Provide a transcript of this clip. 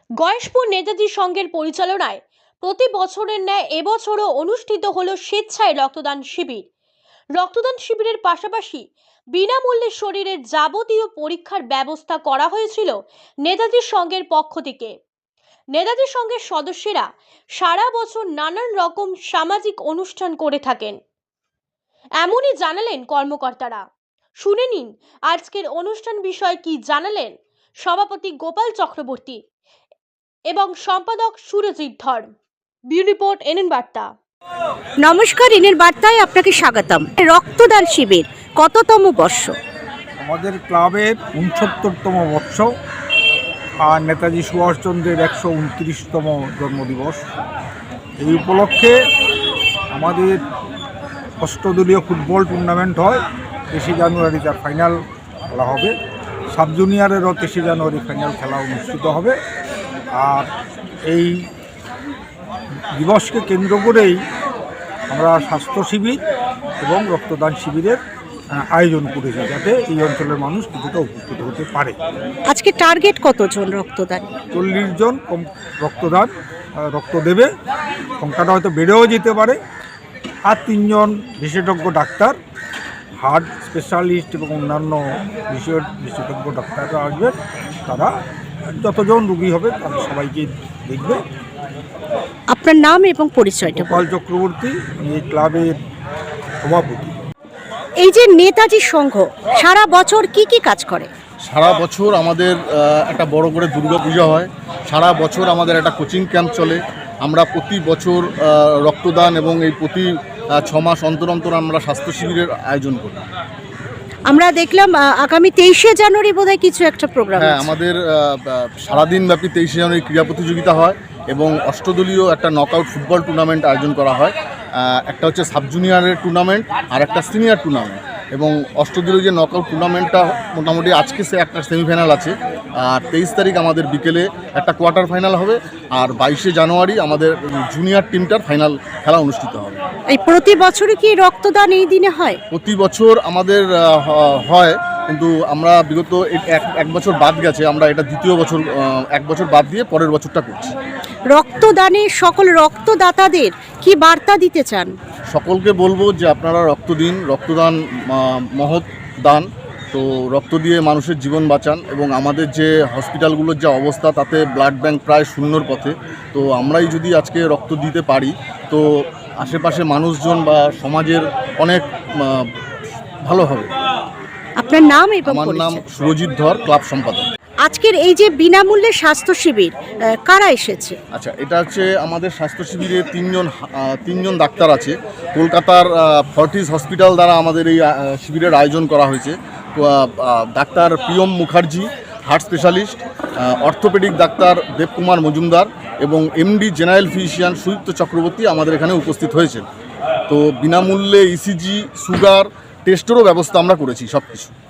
গয়েশপুর নেতাজি সংঘের পরিচালনায় প্রতি বছরের ন্যায় এবছরও অনুষ্ঠিত হলো স্বেচ্ছায় রক্তদান শিবির। রক্তদান শিবিরের পাশাপাশি বিনামূল্যে শরীরের যাবতীয় পরীক্ষার ব্যবস্থা করা হয়েছিল নেতাজি সংঘের পক্ষ থেকে। নেতাজি সংঘের সদস্যরা সারা বছর নানান রকম সামাজিক অনুষ্ঠান করে থাকেন, এমনই জানালেন কর্মকর্তারা। শুনে নিন আজকের অনুষ্ঠান বিষয়ে কি জানালেন সভাপতি গোপাল চক্রবর্তী এবং সম্পাদক সুরজিৎ ধর। ব্যুরো রিপোর্ট এনএন বার্তা। নমস্কার, এনএন বার্তায় আপনাকে স্বাগতম। রক্তদান শিবির কততম বর্ষ? আমাদের ক্লাবের 69তম বর্ষ, আর নেতাজি সুভাষচন্দ্রের 129তম জন্মদিবস। এই উপলক্ষে আমাদের অষ্টদলীয় ফুটবল টুর্নামেন্ট হয়। 23 জানুয়ারি তার ফাইনাল খেলা হবে। সাব জুনিয়রেরও 23 জানুয়ারি ফাইনাল খেলা অনুষ্ঠিত হবে। আর এই দিবসকে কেন্দ্র করেই আমরা স্বাস্থ্য শিবির এবং রক্তদান শিবিরের আয়োজন করেছি, যাতে এই অঞ্চলের মানুষ কিছুটা উপকৃত হতে পারে। আজকে টার্গেট কতজন রক্তদান? 40 জন রক্ত দেবে। সংখ্যাটা হয়তো বেড়েও যেতে পারে। আর 3 জন বিশেষজ্ঞ ডাক্তার, হার্ট স্পেশালিস্ট এবং অন্যান্য বিশেষজ্ঞ ডাক্তাররা আসবেন। তারা যতজন রোগী হবে তাদের সবাইকে দেখবে। আপনার নাম এবং পরিচয়টা? গোপাল চক্রবর্তী, এই ক্লাবের সভাপতি। এই যে নেতাজি সংঘ সারা বছর কি কি কাজ করে? সারা বছর আমাদের একটা বড় করে দুর্গা পূজা হয়। সারা বছর আমাদের একটা কোচিং ক্যাম্প চলে। আমরা প্রতি বছর রক্তদান এবং এই প্রতি 6 মাস অন্তর অন্তর আমরা স্বাস্থ্য শিবিরের আয়োজন করি। আমরা দেখলাম আগামী 23শে জানুয়ারি বোধহয় কিছু একটা প্রোগ্রাম। হ্যাঁ, আমাদের সারাদিন ব্যাপী 23শে জানুয়ারি ক্রীড়া প্রতিযোগিতা হয় এবং অষ্টদলীয় একটা নকআউট ফুটবল টুর্নামেন্ট আয়োজন করা হয়। একটা হচ্ছে সাব জুনিয়রের টুর্নামেন্ট আর একটা সিনিয়র টুর্নামেন্ট। এবং অষ্টদলীয় যে নকআউট টুর্নামেন্টটা মোটামুটি আজকে একটা সেমিফাইনাল আছে। আর 23 তারিখ আমাদের বিকেলে একটা কোয়ার্টার ফাইনাল হবে। আর 22শে জানুয়ারি আমাদের জুনিয়র টিমটার ফাইনাল খেলা অনুষ্ঠিত হবে। এই প্রতি বছরই কি রক্তদান এই দিনে হয়? প্রতি বছর আমাদের হয়, কিন্তু আমরা বিগত এক বছর বাদ গেছে। আমরা এটা দ্বিতীয় বছর, 1 বছর বাদ দিয়ে পরের বছরটা করছি। রক্তদানে সকল রক্তদাতাদের কি বার্তা দিতে চান? সকলকে বলবো যে আপনারা রক্ত দিন। রক্তদান মহৎ দান। তো রক্ত দিয়ে মানুষের জীবন বাঁচান। এবং আমাদের যে হসপিটালগুলোর যে অবস্থা, তাতে ব্লাড ব্যাংক প্রায় শূন্যর পথে। তো আমরাই যদি আজকে রক্ত দিতে পারি, তো আশেপাশে মানুষজন বা সমাজের অনেক ভালো হবে। আপনার নাম এবং আমার নাম পরিচয়? সুরজিৎ ধর, ক্লাব সম্পাদক। আজকের এই যে বিনামূল্যে স্বাস্থ্য শিবির কারা এসেছে? আচ্ছা, এটা হচ্ছে আমাদের স্বাস্থ্য শিবিরে 3 জন ডাক্তার আছে। কলকাতার ফর্টিস হসপিটাল দ্বারা আমাদের এই শিবিরের আয়োজন করা হয়েছে। Doctor Priyam Mukherjee, heart specialist, orthopedic doctor Debkumar Majumdar এবং MD general physician Sudipta Chakraborty আমাদের এখানে উপস্থিত হয়েছেন। তো বিনামূল্যে ইসিজি, সুগার টেস্টেরও ব্যবস্থা আমরা করেছি, সব কিছু।